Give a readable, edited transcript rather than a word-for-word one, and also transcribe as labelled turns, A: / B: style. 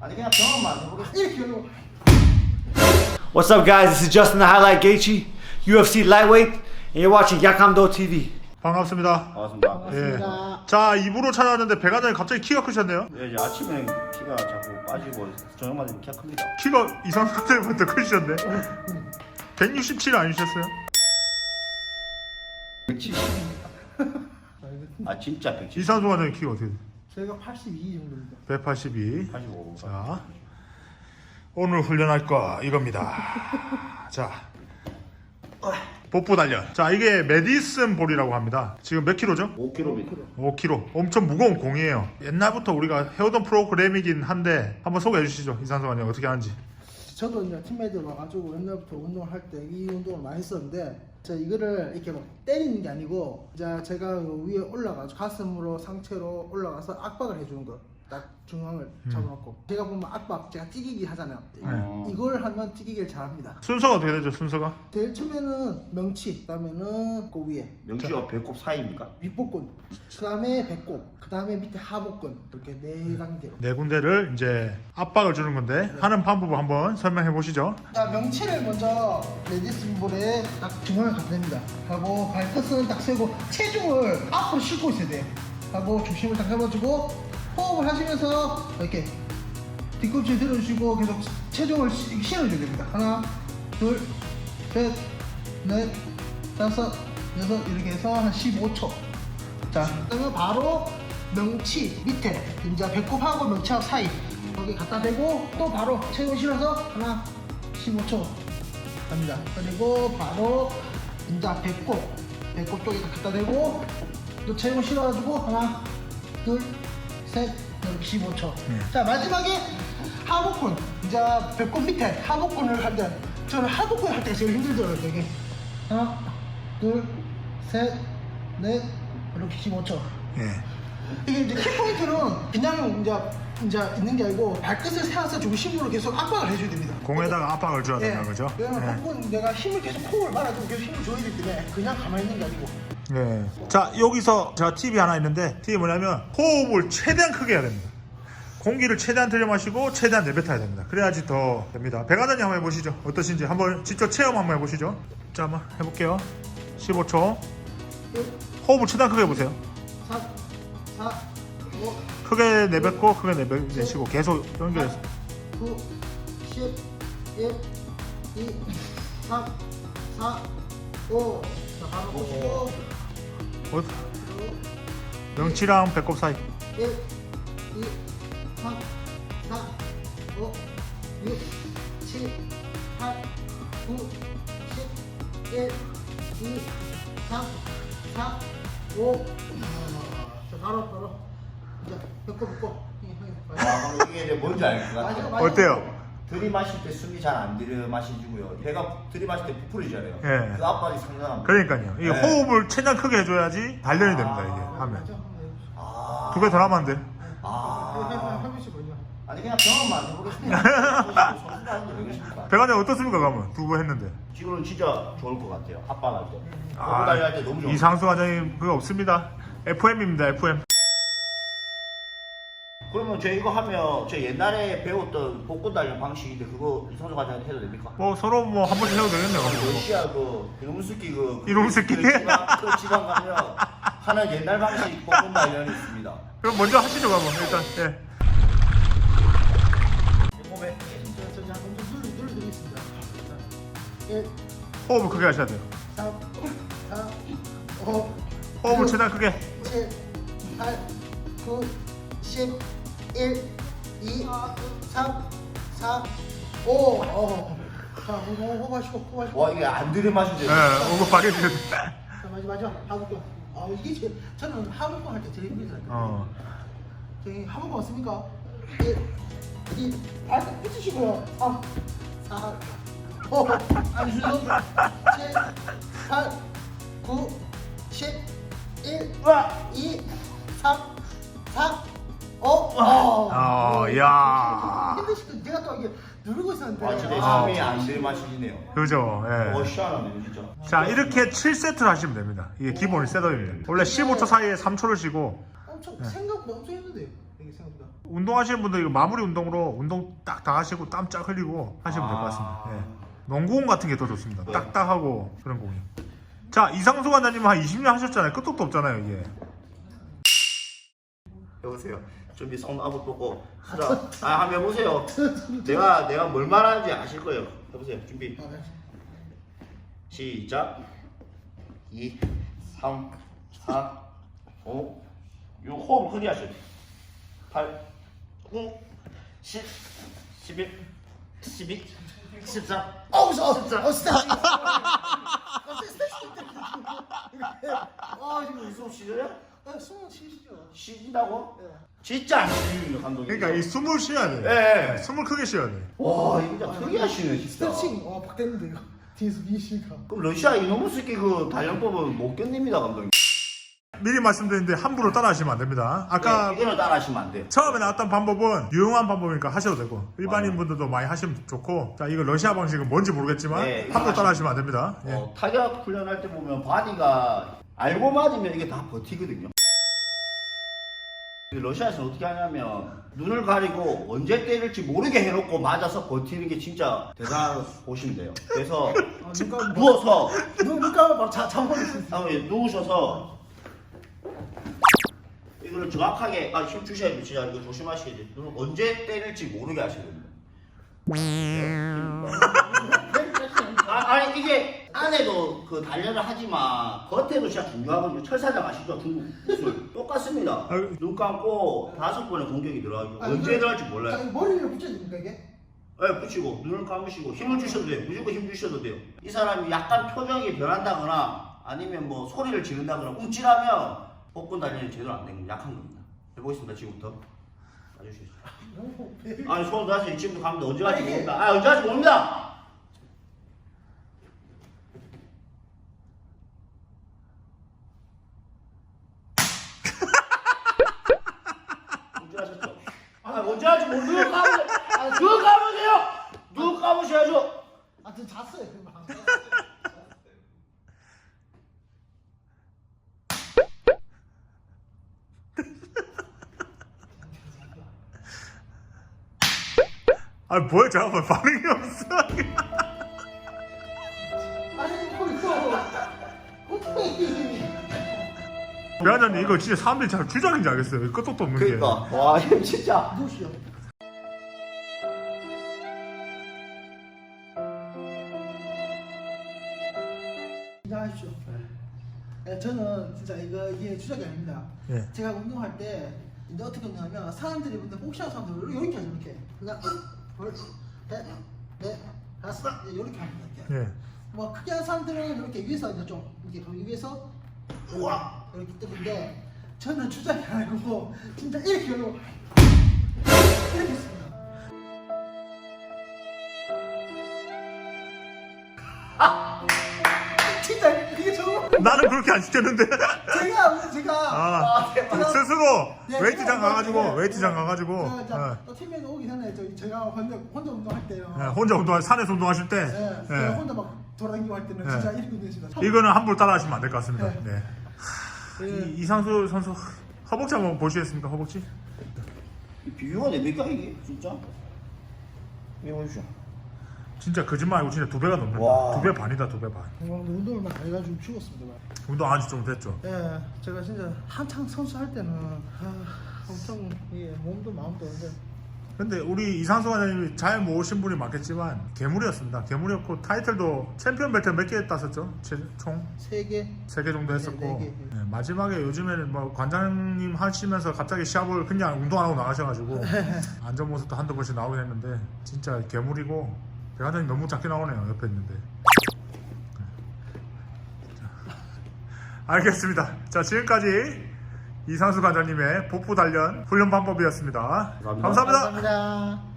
A: 아니 그냥 경험만 해보겠습니다.
B: 이렇게 하려고.
C: What's up, guys? This is Justin the Highlight Gaethje, UFC lightweight, and you're watching Yakamdo TV.
D: 반갑습니다.
A: 반갑습니다.
D: 예. 자, 입으로 찾아왔는데 배관장님 갑자기 키가 크셨네요.
A: 예, 이제 아침에 키가 자꾸 빠지고 저녁만 되면 키가 큽니다.
D: 키가 이상한 때부터 크셨네. 167 아니셨어요?
A: 170입니다. 아 진짜 170.
D: 이상수 관장님 키가 어떻게 돼요?
B: 저희가 82 정도입니다.
D: 182.
A: 85.
D: 자, 오늘 훈련할 거 이겁니다. 자, 복부 단련. 자, 이게 메디슨 볼이라고 합니다. 지금 몇 킬로죠?
A: 5kg입니다.
D: 5kg. 엄청 무거운 공이에요. 옛날부터 우리가 해오던 프로그램이긴 한데 한번 소개해 주시죠. 이상수 관장님 어떻게 하는지.
B: 저도 이제 팀메이트 와가지고 옛날부터 운동을 할 때 이 운동을 많이 했었는데, 제가 이거를 이렇게 막 때리는 게 아니고, 이제 제가 위에 올라가서 가슴으로 상체로 올라가서 압박을 해주는 거. 딱 중앙을 잡아놓고. 제가 보면 압박, 제가 찌기기 하잖아요. 이걸 하면 찌기기를 잘합니다.
D: 순서가 어떻게 되죠? 순서가?
B: 제일 처음에는 명치, 그다음에는 그 위에
A: 명치와 배꼽 사이입니까?
B: 윗복근, 그다음에 배꼽, 그다음에 밑에 하복근, 이렇게 네 단계로.
D: 네 군데를 이제 압박을 주는 건데 하는 방법을 한번 설명해 보시죠.
B: 자, 명치를 먼저 레디슨 볼에 딱 중앙을 갖다 댑니다. 하고 발끝은 딱 세고 체중을 앞으로 싣고 있어야 돼요. 하고 중심을 딱 잡아주고 호흡을 하시면서 이렇게 뒤꿈치 들어주시고 계속 체중을 실어줘야 됩니다. 하나, 둘, 셋, 넷, 다섯, 여섯 이렇게 해서 한 15초. 자, 그러면 바로 명치 밑에 이제 배꼽하고 명치하고 사이 거기 갖다 대고 또 바로 체중 실어서 하나 15초 갑니다. 그리고 바로 이제 배꼽 쪽에 갖다 대고 또 체중 실어가지고 하나 둘 셋 이렇게 15초. 자, 마지막에 하복근, 이제 배꼽 밑에 하복근을 할 때, 저는 하복근 할 때가 제일 힘들더라고요. 이게 하나 둘 셋 넷 이렇게 15초.
D: 예.
B: 이게 이제 키포인트는 그냥 이제 있는 게 아니고 발끝을 세워서 중심으로 계속 압박을 해줘야 됩니다.
D: 공에다가 압박을 줘야 된다는 거죠.
B: 왜냐면
D: 예.
B: 한번 내가 힘을 계속 호흡을 말아주고 계속 힘을 줘야 되기 때문에 그냥 가만히 있는 게 아니고.
D: 예. 자, 여기서 제가 팁이 하나 있는데 팁이 뭐냐면 호흡을 최대한 크게 해야 됩니다. 공기를 최대한 들여 마시고 최대한 내뱉어야 됩니다. 그래야지 더 됩니다. 배관장님 한번 해보시죠. 어떠신지 한번 직접 체험 한번 해보시죠. 자, 한번 해볼게요. 15초. 호흡을 최대한 크게 해보세요.
B: 3, 4, 5,
D: 크게 내뱉고 크게 내쉬고 계속 연결해서.
B: 9, 10, 1, 2, 3, 4, 5. 자, 바로 보시고.
D: 명치랑 배꼽 사이.
B: 1, 2, 3, 4, 5, 6, 7, 8, 9, 10, 1, 2, 3, 4, 5. 자, 바로. 이제 배꼽.
A: 아, 그럼 이게 이제 뭔지 알 것 같아요.
B: 맞아.
D: 어때요?
A: 들이마실 때 숨이 잘 안 들이마시고요. 배가 들이마실 때 부풀리잖아요.
D: 예.
A: 그 압박이 상당합니다.
D: 그러니까요. 이게
A: 네.
D: 호흡을 최대한 크게 해줘야지 단련이 됩니다. 이게 하면
A: 아,
D: 두 배 더 하면 안 돼.
A: 아,
B: 해보시 보죠.
A: 아니 그냥 경험만 해보겠습니다. 선수가 아닌데 왜 그러십니까?
D: 배관장 어떻습니까? 그러면 두 번 했는데.
A: 지금은 진짜 좋을 것 같아요. 압박할 때.
D: 아,
A: 아, 달릴 때 너무 좋아요.
D: 이상수 관장님 그거 없습니다. FM입니다. FM.
A: 그러면 저 이거 하면 저 옛날에 배웠던 복근 단련 방식인데 그거 이성조 과장한테 해도 됩니까?
D: 뭐 서로 뭐 한 번씩 해도 되겠네요.
A: 러시아 그 이놈새끼
D: 이놈새끼?
A: 그 지방 가면 하는 옛날 방식 복근 단련이 있습니다.
D: 그럼 먼저 하시죠, 그러면 일단. 예.
A: 몸에
B: 저 눌러드리겠습니다. 1,
D: 호흡을 크게 하셔야 돼요.
B: 3, 4, 5,
D: 호흡을 최대한 크게.
B: 7, 8, 9, 10, 1, 2, 3, 4, 5. 자, 호흡하시고.
A: 와 이게 안 들이마시죠?
D: 예, 오고 빠르게 드셔야 돼.
B: 자, 마지막 하복근. 이게 저는 하복근 할 때 제일 힘들어요. 저기 하복근 왔습니까? 1, 2, 발끝 붙이시고요. 3, 4, 5, 6, 7, 8, 9, 10, 1, 2, 3, 4, 5.
D: 야.
B: 힘드시고 내가 또 이게 누르고 있었는데.
A: 아 진짜 숨이 안 들이마시네요.
D: 그죠. 예.
A: 시원하네요 진짜.
D: 자, 이렇게 7세트를 하시면 됩니다. 이게 기본 셋업입니다. 원래 15초 사이에 3초를 쉬고.
B: 엄청 생각보다 엄청 힘든데요. 이게 생각보다.
D: 운동하시는 분들 이거 마무리 운동으로 운동 딱 다 하시고 땀 쫙 흘리고 하시면 될 것 같습니다. 예. 농구공 같은 게 더 좋습니다. 딱딱하고 그런 공이. 자, 이상수 관장님은 한 20년 하셨잖아요. 끝도 없잖아요, 이게.
A: 해보세요. 준비 손 아부 보고 하자. 한번 해보세요. 내가 뭘 말하는지 아실 거예요. 해보세요. 준비. 시작. 2, 3, 4, 5. 요 호흡을 크게 하셔야 돼요. 8, 9, 10, 11, 12, 13.
B: 어우, 저,
A: 14.
B: 스타.
A: 지금 숨 쉬어요?
B: 숨은 쉬시죠.
A: 쉬진다고?
B: 예.
A: 진짜 안 쉬는 감독님.
D: 그러니까 이 숨을 쉬어야 돼.
A: 예.
D: 숨을 크게 쉬어야 돼.
A: 와, 이거 진짜 크게 하시네 진짜.
B: 스트레칭, 바뀌었는데, 이거. 뒤에서 미시니까.
A: 그럼 러시아 이놈의 새끼 그 단련법은 못 견딥니다 감독님.
D: 미리 말씀드리는데 함부로 따라하시면 안 됩니다. 아까
A: 이거는 따라하시면 안 돼.
D: 처음에 나왔던 방법은 유용한 방법이니까 하셔도 되고 일반인 분들도 많이 하시면 좋고, 자, 이거 러시아 방식은 뭔지 모르겠지만
A: 네,
D: 함부로 따라하시면 안 됩니다. 예.
A: 타격 훈련할 때 보면 바디가 알고 맞으면 이게 다 버티거든요. 러시아에서는 어떻게 하냐면 눈을 가리고 언제 때릴지 모르게 해놓고 맞아서 버티는 게 진짜 대단하다고 보시면 돼요. 그래서 누워서
B: 눈 감으면 바로 잠버릴 수 있어요.
A: 누우셔서 이거를 정확하게 힘 주셔야 돼요. 진짜 이거 조심하셔야 돼요. 눈을 언제 때릴지 모르게 하셔야 됩니다. 아니 이게 안에도 그 단련을 하지만 겉에도 진짜 중요하거든요. 철사장 아시죠? 중국 기술 똑같습니다. 눈 감고 5번의 공격이 들어가고 언제 들어갈지 몰라요.
B: 자, 머리를 붙여야 됩니까, 이게?
A: 네, 붙이고 눈을 감으시고 힘을 주셔도 돼요. 무조건 힘 주셔도 돼요. 이 사람이 약간 표정이 변한다거나 아니면 뭐 소리를 지른다거나 움찔하면 복근 단련이 제대로 안 된 겁니다. 약한 겁니다. 해보겠습니다. 지금부터. 봐주시죠. 아니 손 다시 지금부터 가면 언제 갈지 모릅니다. 언제 갈지 모릅니다. 움찔하셨죠? 언제 갈지 모르고 누구 감으세요? 누구 감으셔야죠?
B: 저 잤어요, 금방.
D: 뭐야, 잠깐만, 반응이 없어.
B: 어떻게.
D: 배하자님, 이거 진짜 사람들이 잘 주작인지 알겠어요. 끝도 없는 게.
A: 그러니까 와 힘 진짜.
B: 누우시죠. 인정하십시오. 네, 저는 진짜 이게 주작이 아닙니다.
D: 예.
B: 제가 운동할 때 이제 어떻게 운동하면 사람들이 근데 복싱하는 사람들 이렇게 하죠. 이렇게 그냥 넷, 다섯 이렇게 합니다. 이렇게.
D: 예.
B: 뭐 크게 하는 사람들은 이렇게 위에서 이제 좀 이렇게 위에서 우와 이렇게 뜨는데 저는 주작이 아니고 진짜 이렇게 하고 이렇게 했습니다. 진짜 이게 정말
D: 나는 그렇게 안 시켰는데.
B: 제가
D: 스스로
B: 네,
D: 웨이트장
B: 제가
D: 가가지고,
B: 네.
D: 웨이트장 가가지고.
B: 또 팀에서 오기 전에 제가 혼자 운동할 때요.
D: 예, 혼자 산에서 운동하실 때.
B: 네,
D: 예.
B: 제가 혼자 막 돌아다니고 할 때는
D: 네.
B: 진짜 이렇게 운동했습니다.
D: 이거는 함부로 따라하시면 안 될 것 같습니다.
B: 네.
D: 네.
B: 네.
D: 이상수 선수 허벅지 한번 보시겠습니까? 허벅지?
A: 비교가 됩니까 이게 진짜? 이거 보십시오.
D: 진짜 거짓말 아니고 진짜 2배가 넘는다.
A: 와.
D: 2배 반이다, 2배 반.
B: 운동을 막 해가지고 죽었습니다.
D: 운동 안 한 지 좀 됐죠.
B: 예, 제가 진짜 한창 선수 할 때는 엄청 몸도 마음도 근데
D: 근데 우리 이상수 관장님이 잘 모으신 분이 많겠지만 괴물이었습니다. 괴물이었고 타이틀도 챔피언 벨트 몇 개 땄었죠? 총
B: 3개
D: 3개 정도 했었고
B: 네, 4개.
D: 네, 마지막에 요즘에는 뭐 관장님 하시면서 갑자기 시합을 그냥 운동 안 하고 나가셔가지고 안전 모습도 한두 번씩 나오긴 했는데 진짜 괴물이고 배관장님 너무 작게 나오네요. 옆에 있는데. 자, 알겠습니다. 자, 지금까지 이상수 관장님의 복부 단련 훈련 방법이었습니다.
A: 감사합니다.
B: 감사합니다.